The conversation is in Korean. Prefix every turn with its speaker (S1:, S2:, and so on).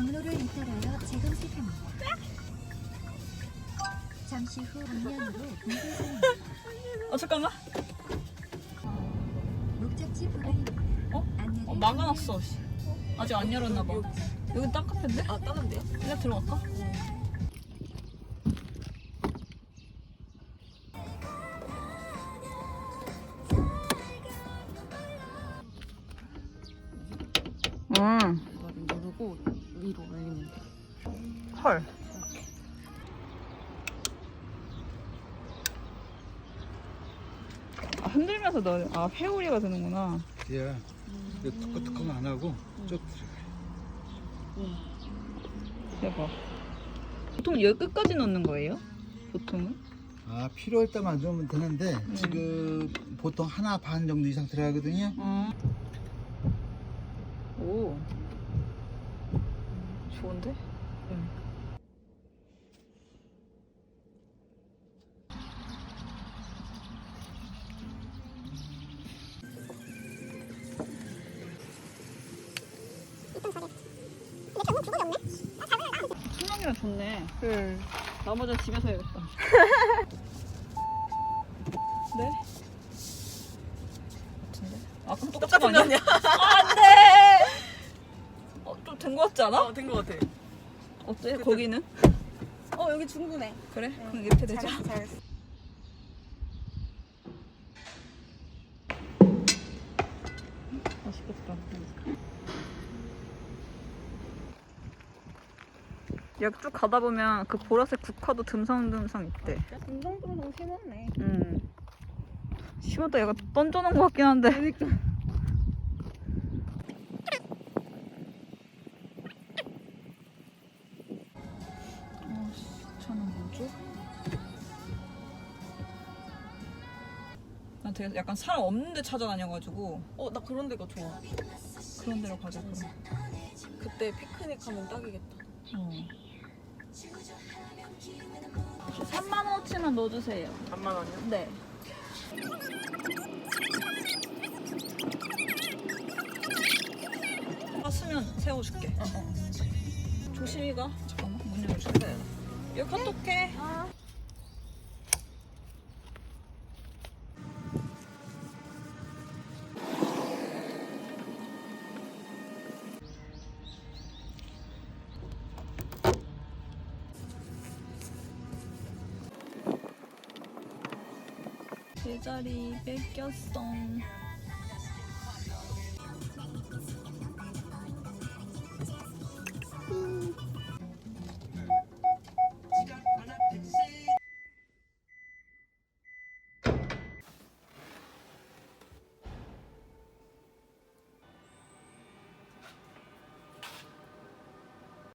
S1: 경로를 잇따라여 재검색합니다. 잠시 후 방면으로 분쇄선입니다.
S2: 잠깐만.
S1: 목적지 불안입니다. 안내를
S2: 막아놨어. 아직 안 열었나봐. 여기 딴 카페인데?
S3: 아, 다른데요?
S2: 일단 들어갈까?
S3: 이거를 누르고 위로 올리면 돼.
S2: 헐. 흔들면서 넣어. 회오리가 되는구나.
S4: 예. 뚜껑 안 하고 쭉 들어가요.
S2: 대박. 보통 여기 끝까지 넣는 거예요? 보통은?
S4: 필요할 때만 넣으면 되는데 지금 보통 하나 반 정도 이상 들어가거든요.
S2: 오. 좋은데? 풍경이랑 좋네. 나머지는 집에서 해야겠다. 네? 같은데? 아까 똑같은 거 아니야? 안 돼! 좀 된 거 같지 않아?
S3: 된 것 같아.
S2: 어때? 거기는?
S3: 여기 충분해.
S2: 그래? 그럼 이렇게 되자.
S3: 잘했어.
S2: 맛있겠다. 여기 쭉 가다 보면 그 보라색 국화도 듬성듬성 있대.
S3: 듬성듬성 심었네.
S2: 심었다 얘가 던져놓은 것 같긴 한데.
S3: 그러니까.
S2: 저는 뭐죠? 난 되게 약간 사람 없는 데 찾아다녀가지고
S3: 나 그런 데가 좋아.
S2: 그런 데로 가자 그럼.
S3: 그때 피크닉 하면 딱이겠다.
S2: 3,000원어치만 넣어주세요.
S3: 3만 원이요?
S2: 네. 수면 세워줄게. 조심히 가. 잠깐만 문 열어줄게. 여기 카톡해. 제자리 뺏겼어.